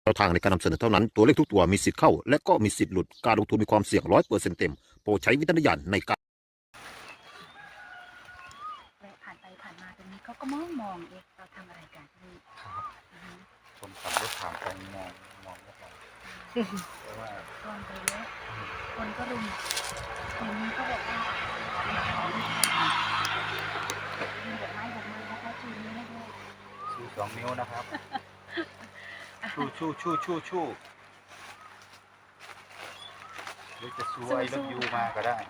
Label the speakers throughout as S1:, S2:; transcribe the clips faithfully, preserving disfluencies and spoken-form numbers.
S1: แนวทางในการนำเสนอเท่านั้นตัวเลขทุกตัวมีสิทธิ์เข้าและก็มีสิทธิ์หลุดการลงทุนมีความเสี่ยงร้อยเปอร์เซ็นต์เต็มโปรดใช้วิจารณญาณในการ
S2: ผ่านไปผ่านมาตรงนี้เขาก็มองมองเอ๊ะเราทำอะไรกันนี่
S3: ครับคนขับรถผ่านไปมองมองรถเราเพราะว่า
S2: ตอนไปเยอะคนก็รุมทีนี้เขาบอกว่าขอมีดอกไม้ดอกไม้นะคะชูนี้ให้ด้วย
S3: ชูสองนิ้วนะครับชูชูชูชูชูหรือจะชูไอ้รถยูมาก็ได้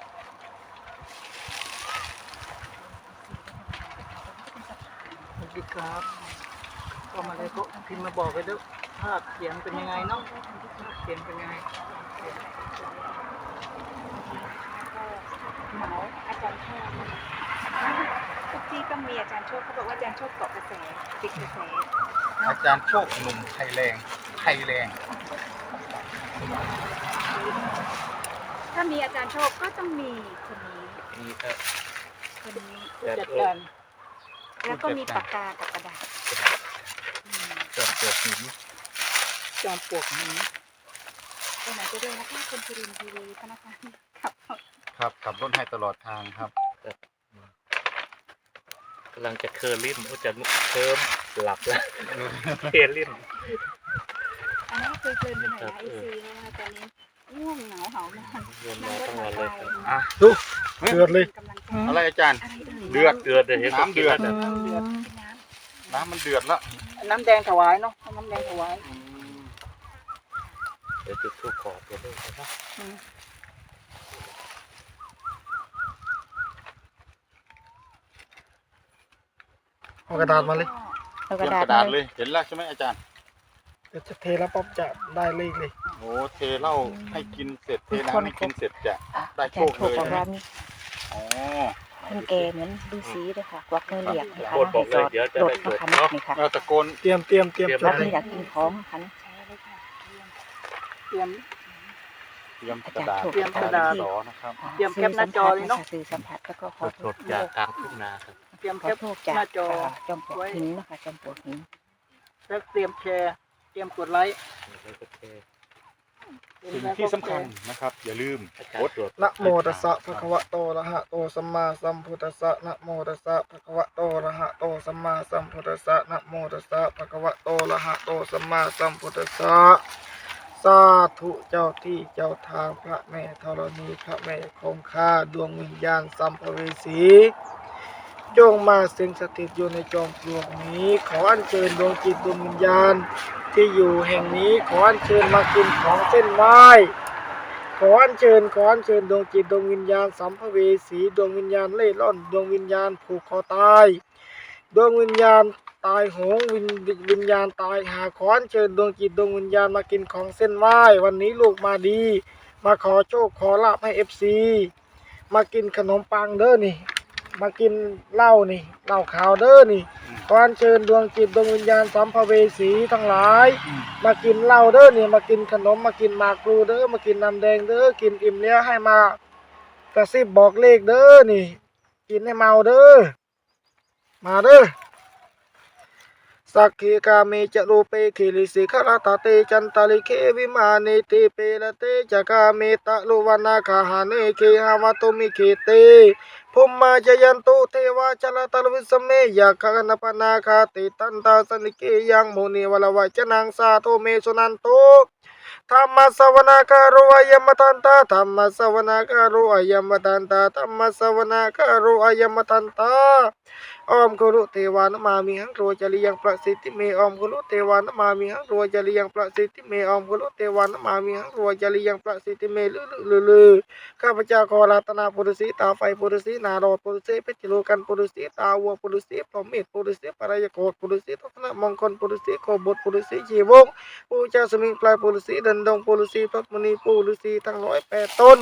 S4: สวัสดีครับก็มาเลยก็พิมพ์มาบอกไปด้วยภาพเขียนเป็นยังไงเนาะภาพเขียนเป็นยังไง
S2: เหมาอาจารย์โชคทุกที่ก็มีอาจารย์โชคเขาบอกว่าอาจารย์โชคเกาะกระแสติดกระแส
S3: อาจารย์โชคหนุ่มไทยแรงไทยแรง
S2: ถ้ามีอาจารย์โชคก็ต้องมีคนนี้
S3: นี่ครับ
S2: คนนี้
S4: ผู้จัดการ
S2: แล้วก็มีปากกากับกระดาษอืม
S3: จอดเกิดหิน
S4: จอมปลวกนี้
S2: ไปไหนจะด้วยนะคะคุณสุรินทร์ทีวีพนักงานขับรถ
S3: ครับขับรถให้ตลอดทางครับ
S5: กำลังจะเคอร์ลิ่นโอ้จะเคิมหลับแล้วเคอร์ลิ่น
S2: อันนั้นเคยเกินไปหน่อยนะไอซีเพราะว่าตอนนี้ง่วงเหงาเหานอน
S5: เงินมาทั้งวันเลยครับ
S3: อ่ะ
S4: ดูเดือดเลย
S2: กำลังใจ
S3: อะไรอาจารย์
S2: อะไรเอ่ย
S3: เดือด
S5: เดือดเลยเห็น
S3: น้ำเดือด
S5: กิน
S4: น้ำเดือด
S2: เป็นน้
S3: น้ำมันเดือดแล้ว
S4: น้ำแดงถวายเนาะน้ำแดงถวาย
S5: เดี๋ยวจุดทูบขอตัวเลขนะ
S2: ำ
S4: เอากระดาษมาเลย
S2: เอา
S3: เต
S2: ก
S3: รี
S2: ระ
S3: ยม
S2: ดาก ษ
S3: ระดาษเลยเห็นแล้วใช่ไหมอาจารย์
S4: เดี๋ยวจะเทแล้วป๊อบจะได้เลขเลย
S3: โอ้เทเหล้าให้กินเสร็จเทน้ำให้กินเสร็จจะได้
S2: อา
S3: โช
S2: จาร
S3: ค
S2: ย์โช
S3: เล
S2: ค
S3: ย
S2: ของ
S3: นะ
S2: เรานี่
S3: อ๋อ
S2: คนแกเหมือนดูสีเลยค่ะกวักมือเหลียกนะคะ
S5: โคตรบอกเลยเดี๋ยวจะ
S2: โดด
S5: ได้
S2: มา
S5: จด
S2: คัน
S5: เนาะ
S2: นี่ค่ะ
S3: เราตะโกน
S4: เตรียมเตรียมเตรียม
S5: เตรียม
S4: จ
S2: รั
S4: ด
S2: บ
S4: เล
S2: นี่
S4: ย
S2: อยากกินของคัน
S4: เตรียม
S3: เตรียมกระดาษ
S4: เตรียมกระดาษ
S3: สอนะครับ
S4: เตรียมแคปหน้าจอเลยเนอะ
S2: สื่อสัมผัสแล้วก็ขอโท
S5: ส
S2: ษ
S5: ดๆจากกลางทุ่งนาครับ
S4: เตรียม
S2: ข
S4: แค
S2: อ
S4: ป
S2: โทษจาก
S4: หน้าจอ
S2: จอมปลวกหินนะคะจอมปลวกหิน
S4: แล้วเตรียมแชร์เตรียมกดไลค์
S5: โอเค
S3: สิ่งที่สำคัญนะครับ อย่าลืม
S5: อาจารย์ตรวจ
S4: นะโมตัสสะภะคะวะโตอะระหะโตสัมมาสัมพุทธัสสะนะโมตัสสะภะคะวะโตอะระหะโตสัมมาสัมพุทธัสสะนะโมตัสสะภะคะวะโตอะระหะโตสัมมาสัมพุทธัสสะสาธุเจ้าที่เจ้าทางพระแม่ธรณีพระแม่คงคาดวงวิญญาณสัมภเวสีจงมาสิงสถิตอยู่ในจอมปลวกนี้ขออัญเชิญดวงจิตดวงวิญญาณที่อยู่แห่งนี้ขออัญเชิญมากินของเส้นไหว้ขออัญเชิญขออัญเชิญดวงจิตดวงวิญญาณสัมภเวสีดวงวิญญาณเล่ร่อนดวงวิญญาณผูกคอตายดวงวิญญาณตายโหงวิญวิญญาณตายหาขออัญเชิญดวงจิตดวงวิญญาณมากินของเส้นไหว้วันนี้ลูกมาดีมาขอโชคขอลาภให้เอฟซีมากินขนมปังเด้อนี่มากินเหล้านี่เหล้าขาวเด้อนี่ขออัญเชิญดวงจิตดวงวิญญาณสัมภเวสีทั้งหลายมากินเหล้าเด้อนี่มากินขนมมากินหมากพลูเด้อมากินน้ำแดงเด้อกินอิ่มแล้วให้มากระซิบบอกเลขเด้อนี่กินให้เมาเด้อมาเด้อสักขีกาเมจะรูเปขิลิสิขรตาเตจันตาลิเควิมานิติเปละเตจะกาเมตะลุวนาคาหาเนเคหาวตุมิเคเตภุมมาจยันตุเทวาจลตลวิสเมยะคะนปนาคาติตันตาสนิเกยังโมนีวลวัจนังสาโทเมสุนันโตธรรมสวนาคารุอายัมมตันตาธรรมสวนาคารุอายัมมตันตาธรรมสวนาคารุอายัมมตันตาออมกุลุเทวานมามิหังโรจริยังประสิทธิเมออมกุลุเทวานมามิหังโรจริยังประสิทธิเมออมกุลุเทวานมามิหังโรจริยังประสิทธิเมลือลือลือข้าพเจ้าขอรัตนาปุรุสีตาไฟปุรุสีนารอดปุรุสีเพชรโลกันปุรุสีตาวัวปุรุสีพรหมิตรปุรุสีปรายโกฏปุรุสีทัศนมงคลปุรุสีโคบทปุรุสีชีวงปูเจ้าสมิงปลายปุรุสีดันดงปุรุสีพระมณีปุรุสีทั้งร้อยแปดต้น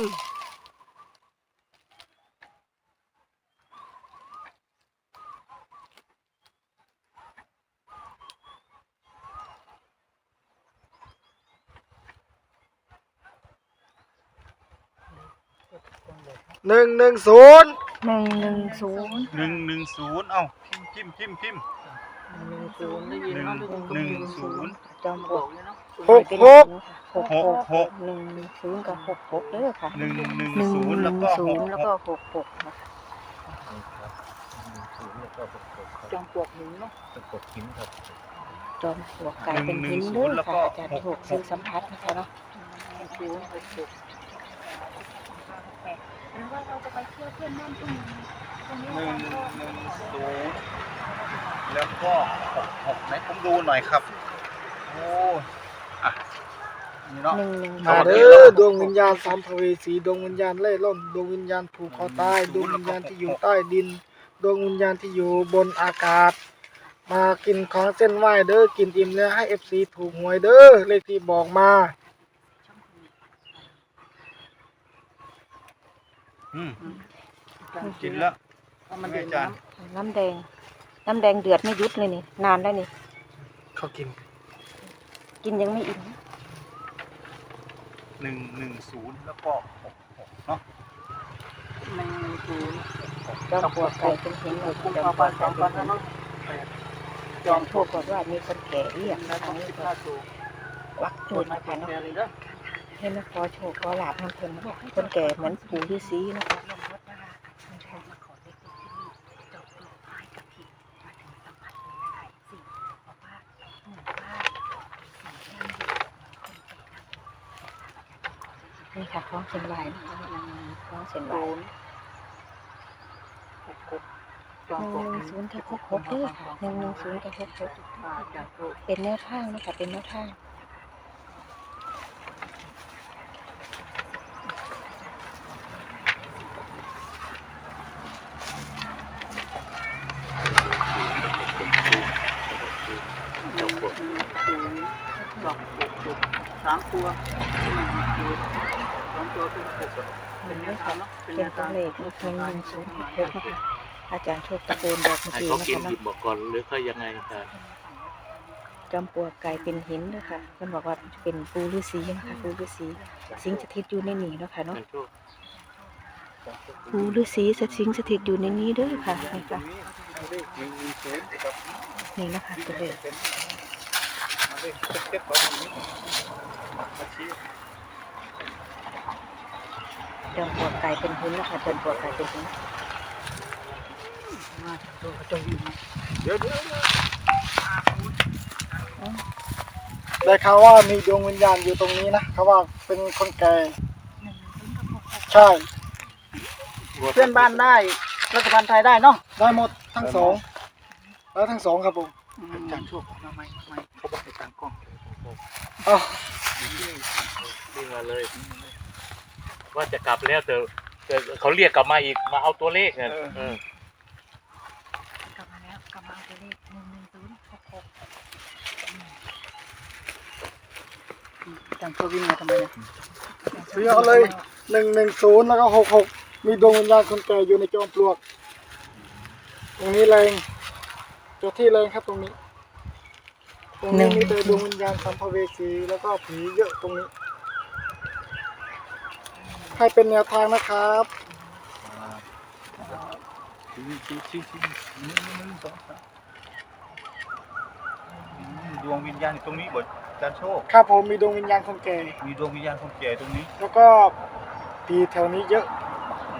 S4: หนึ่งหนึ่งศูนย์
S2: หนึ่งหนึ่งศูนย์
S3: หนึ่งหนึ่งศูนย์เอ้าพิมพ์พิมพ์พิมพ์พิมพ์
S4: หนึ่ง
S2: ศูนย์ได้ยิน
S3: หนึ่ง
S2: เนาะ
S3: หนึ่งศูนย์
S2: จอมปลวก
S4: หกหก
S2: หกหกหกหนึ่งศูนย์กับหกหกเด้อค่ะ
S3: หนึ่งหนึ่ง
S2: หนึ่ง
S3: ศูนย์
S2: ห
S3: แล้ว
S2: นึ่ง
S3: ก็
S2: ศู
S3: ห
S2: น
S3: ก
S2: ย์แล้ว
S3: ห
S2: ก็
S3: ก
S2: หกหกนะคะ
S3: ศูนย์แล้วก็หกหกครับ
S2: จอมปลวกหินเนาะ
S3: เป็นกดหินครับ
S2: จอมปลวกกลายเป็นหินเด้อค่ะอาจารย์ถูกซื้อสัมผัสนะคะเนาะศูนย์หกหกหรือว่าเราจะไปเที่ยวเพื่อนบ้านตรงนี้ตรงนี้
S3: หนึ่งหนึ่งศูนย์แล้วก็หกหกไหนผมดูหน่อยครับโอ้อ่ะนี่เนาะ
S2: หนึ่งหนึ่ง
S4: มาเด้อดวงวิญญาณสัมภเวสีดวงวิญญาณเล่ร่อนดวงวิญญาณผูกคอตายดวงวิญญาณที่อยู่ใต้ดินดวงวิญญาณที่อยู่บนอากาศ มากินของเส้นไหว้เด้อกินอิ่มแล้วให้เอฟซีถูกหวยเด้อเลขที่บอกมา
S3: อืมกินแล้ว
S2: มัน
S3: ไม่
S2: ดื่ม
S3: จาน
S2: น้ำน้ำแดง น้ำแดงเดือดไม่ยุดเลยนี่นานแล้วนี่
S4: เขากิน
S2: กินยังไม่อิ่ม
S3: หนึ่งหนึ่งศูนย์แล้วก็หกหกเนาะ
S2: หนึ่งศูนย์จอมปลวกไก่เป็นหินเลยจอมปลวกไก่เป็นหินจอมทั่วก่อนว่ามีคนแก่เรียกนะคะนี่ก็วักจูดนะคะเนาะให้มาขอโชคขอลาบทำเพิ่นคนแก่เหมือนปู่ฤาษีนะคะนี่ค่ะคล้องเส้นไหวนะคะคล้องเส้นไหวหนึ่งหนึ่งศูนย์กับหกหกเด้อค่ะหนึ่งหนึ่งศูนย์กับหกหกเป็นแนวทางนะคะเป็นแนวทาง
S6: สามตัวสองตัวเป็นหกเป็นแนวทางเนาะเป็นแน
S2: เป็น
S6: ว
S2: ตัว
S6: ทาง
S2: เลขหนึ่งหนึ่งศูนย์หกหกนะคะอาจารย์โชคตะโกนบอกเมื่อ
S5: ให้
S2: กี้
S5: เขา
S2: นะ
S5: กิน
S2: คะ
S5: หยิ
S2: เนาะ
S5: บบอกก่อนหรือเขายังไงกัน
S2: จอมปลวกกลายเป็นหินด้วยค่ะเพิ่นบอกว่าเป็นปูฤาษีนะคะปูฤาษีสิงสถิตอยู่ในนี้เนาะค่ะเนาะ
S5: เป็นโชค
S2: ปูฤาษีสิงสถิตอยู่ในนี้เด้อค่ะนี่ค่ะ
S3: เลขหนึ่งหนึ่งศูนย์ครับ
S2: นี่นะคะตัวเลข
S3: มาเลขเจ็ดของนี้มาชี้
S2: จอมปลวกกลายเป็นหินนะคะจอมปลวกกลายเป็นหิน
S3: เดี๋ยวเดี๋ยว
S4: ได้ข่าวว่ามีดวงวิญญาณอยู่ตรงนี้นะเขาว่าเป็นคนแก่ใช่
S6: เพื่อนบ้านได้รัฐบาลไทยได้เนาะ
S4: ได้หมดทั้งสองแล้วทั้งสองครับผม
S6: อาจารย์โชคทำไมทำไมเขาบอกให้ตั้งกล้อง
S4: อ้าว
S5: วิ่งมาเลย ว่าจะกลับแล้วแต่แต่เขาเรียกกลับมาอีกมาเอาตัวเลขเนี่ยเออก
S2: ลับมาแล้วกลับมาเอาตัวเลขหนึ่งหนึ่งศูนย์หกหก
S6: อาจารย์โชควิ่งมาทำไมเนี่ย
S4: ซื้อเอาเลยหนึ่งหนึ่งศูนย์แล้วก็หกหกมีดวงวิญญาณคนแก่อยู่ในจอมปลวก ตรงนี้เลยเจ้าที่เลยครับตรงนี้ ตรงนี้มีแต่ดวงวิญญาณสัมภเวสีแล้วก็ผีเยอะตรงนี้ ให้เป็นแนวทางนะครับ
S3: ชี้ชี้ชี้ชี้หนึ่งหนึ่งสองสามดวงวิญญาณอยู่ตรงนี้บ่อาจารย์โชค
S4: ครับผมมีดวงวิญญาณคนแก่
S3: มีดวงวิญญาณคนแก่ตรงนี้
S4: แล้วก็ผีแถวนี้เยอะ
S3: โอ้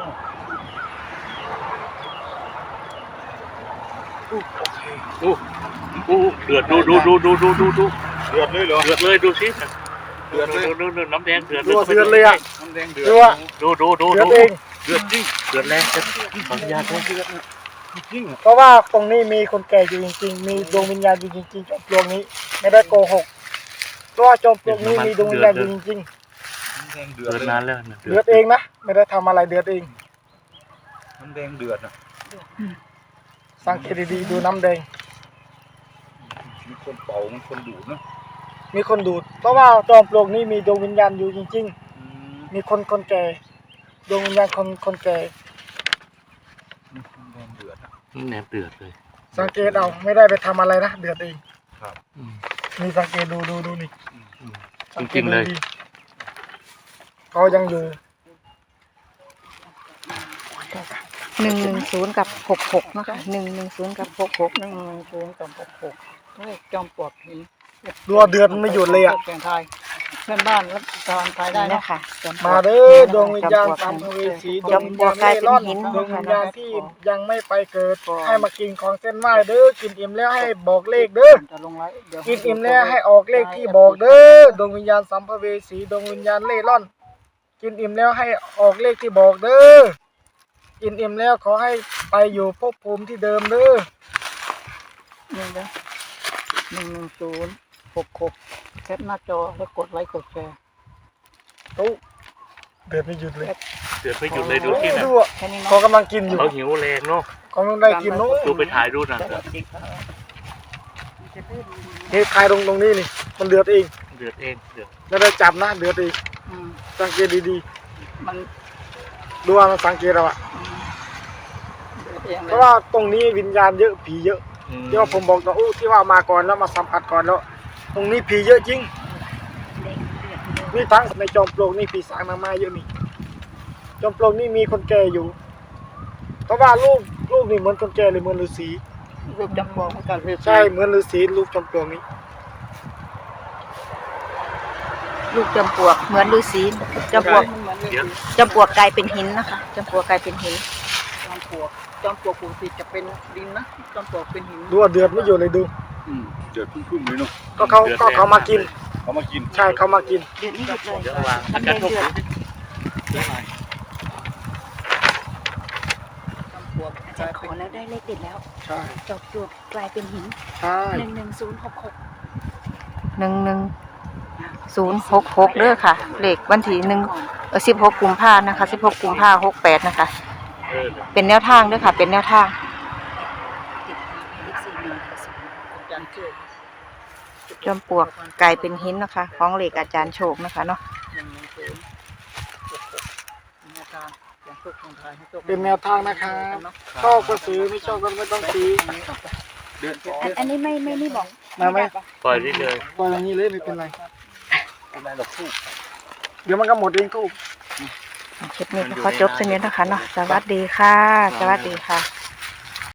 S5: อู้อู้เดือดดูดูดูดูดูดูดู
S3: เดือดเลยเหรอ
S5: เดือดเลยดูสิ
S3: เดือดเลย
S5: ดูดูน้ำแดงเดือด
S4: รัวเสือเลยอ่ะ
S3: น้ำแดงเดือด
S4: รัว
S5: ดูดูดู
S4: เดือ
S5: ดู
S4: ดเอง
S3: เดือดจริง
S5: เดือดแรงจะขออนุญาตด้วย
S3: จริง
S4: เพราะว่าตรงนี้มีคนแก่อยู่จริงๆ มีดวงวิญญาณอยู่จริงๆจอมปลวกนี้ ไม่ได้โกหก เพราะว่าจอมปลวกนี้มีดวงวิญญาณอยู่จริง
S3: น้ำแดงเดือ
S5: เดื
S3: ด
S5: อด
S3: เลย
S5: นานแล้วนะ
S4: ๆ เดือดเองนะ ไม่ได้ทำอะไรเดือดเอง
S3: น้ำแดงเดือดนะ
S4: สังเกตดีๆดูน้ำแดง
S3: มีคนเป่ามีคนดูดเนาะ
S4: มีคนดูด เพราะว่าจอมปลวกนี้มีดวงวิญญาณอยู่จริง
S3: อืม
S4: ๆ มีคนคนแก่ ดวงวิญญาณคนคนแก่
S3: น้ำแดงเดือดนะ
S5: แหนมเดือดเลย
S4: สังเกตเอาไม่ได้ไปทำอะไรนะ เดือดเอง
S3: ครับ
S5: อืม
S4: มีสังเกตดูดูดูนี่
S5: อืม
S4: สังเก
S5: จริ
S4: ต
S5: งๆ
S4: ดู
S5: เลย
S4: ดีเขายังอยู่
S2: นหนึ่งหนึ่งศูนย์กับหกหกนะคะหนึ่งหนึ่งศูนย์กับหกหก
S6: หนึ่งหนึ่งศูนย์กับหกหกเลขจอมปลวกหิน
S4: รัวเดือดไม่หยุดเลยอ่ะ
S6: แข่งไทยเพื่อนบ้านรับทานไทยได้
S2: นี่
S6: นะ
S2: นะคะจอปลวก
S4: มาเด้อดวงวิญญาณสัมภเวสีด
S2: จ
S4: ว
S2: อง ม
S4: วิญ
S2: ปลว
S4: ญาก ณ
S2: กลาย
S4: เล่
S2: เป็น
S4: ร่อน
S2: หิน
S4: ดวงวิญญาณที่ยังไม่ไปเกิด ให้มากินของเส้นไหว้เด้อกินอิ่มแล้วให้บอกเลขเด้อ
S6: จะลงไลฟ์เดี๋ยว
S4: กินอิ่มแล้วให้ออกเลขที่บอกเด้อดวงวิญญาณสัมภเวสีดวงวิญญาณเล่ร่อน กินอิ่มแล้วให้ออกเลขที่บอกเด้อกินอิ่มแล้วขอให้ไปอยู่ภพภูมิที่เดิมเด้อ
S6: หนึ่งเด้อหนึ่งหนึ่งศูนย์หกหกแคปหน้าจอแล้วกดไลค์กดแชร์
S4: ตู้เดือดไม่หยุดเลย
S5: เดือดไปหยุดเลยดูที่น่ะ
S4: ดูอ่ะ
S6: แค่นี้
S4: เขา
S6: เนาะ
S4: กำลังกินอยู่
S5: เขาหิวแรงเนาะ
S4: กำลังได้กินนู้น
S5: ดูไปถ่ายรูปน่ะ
S4: นี่ทายตรงตรงนี้นี่มันเดือดเอง
S5: เดือดเองเดือด
S4: ไม่ได้จับนะเดือดเอง
S6: อืม
S4: สังเกตดี
S6: มัน
S4: ๆดูว่ามันสังเกตเราอะ
S6: เดือดเอง
S4: เพ
S6: เลย
S4: ราะว่าตรงนี้วิญญาณเยอะผีเยอะ
S5: อืม
S4: ที่ว่าผมบอกตอนอู้ที่ว่ามาก่อนแล้วมาสัมผัสก่อนแล้ว ตรงนี้ผีเยอะจริงนี่ทั้งในจอมปลวกนี่ผีสางนางไม้เยอะนี่จอมปลวกนี่มีคนแก่อยู่ เพราะว่าลูกลูกนี่เหมือนคนแก่เลยเหมือนฤาษี
S6: รูปจำปลวกเหมือนกัน
S4: ใช่เหมือนฤาษีลูกจอมปลวกนี้
S2: ลูกจอมปลวกเหมือนฤาษีจอมปลวก
S6: มันเหมือน
S5: เดี๋ยว
S2: จอมปลวกกลายเป็นหินนะคะจอมปลวกกลายเป็นหิน
S6: จอมปลวกจอมปลวกปกติจะเป็นดินนะจอมปลวกเป็นหิน
S4: ดูว่าเดือดไม่หยุดเลยดู
S3: อืมเดือดพุ่งๆเลยเนาะ
S4: ก็เขาก็เขามากิน
S3: เขามากิน
S4: ใช่เขามากิน
S2: เดือดไม่หยุดเลย
S5: เดี๋ยววางอา
S2: ทำ
S5: จาร
S2: เดื
S5: ย์
S2: อด
S5: ทุก
S2: เดือด
S5: เดี๋ยวหน่อย
S6: จอมปลวก
S2: อาจารย์ขอแล้วได้เลขเด็ดแล้ว
S4: ใช่
S2: จอมปลวกกลายเป็นหิน
S4: ใช่
S2: หนึ่งหนึ่งศูนย์หกหกหนึ่งหนึ่งศูนย์หกหกเด้อค่ะเลขวันที่หนึ่งเออสิบหกกุมภานะคะสิบหกกุมภาหกแปดนะคะ
S5: เออ
S2: เป็นแนวทางเด้อค่ะ เป็นแนวทาง
S6: อาจารย์โชค
S2: จอมปลวกกลายเป็นหินนะคะ ของเลขอาจารย์โชคนะคะเนาะ
S6: หนึ่งหนึ่งศูนย์หกหกแนวทางอย่างโชคของไทยให้โชค
S4: เป็นแนวทางนะครับชอบก็ซื้อไม่ชอบก็ไม่ต้องซื้อ
S3: เดือด
S2: อันนี้ไม่ไม่นี่บอก
S4: มาไหม
S5: ปล่อยได้เลย
S4: ปล่อยอย่างนี้เลยไม่เป็นไร
S3: เป็นไรหรอกคู่
S4: เดี๋ยวมันก็หมดเองก็
S2: คลิปนี้ก็ขอจบเส้นนี้นะคะเนาะสวัสดีค่ะ สวัสดีค่ะ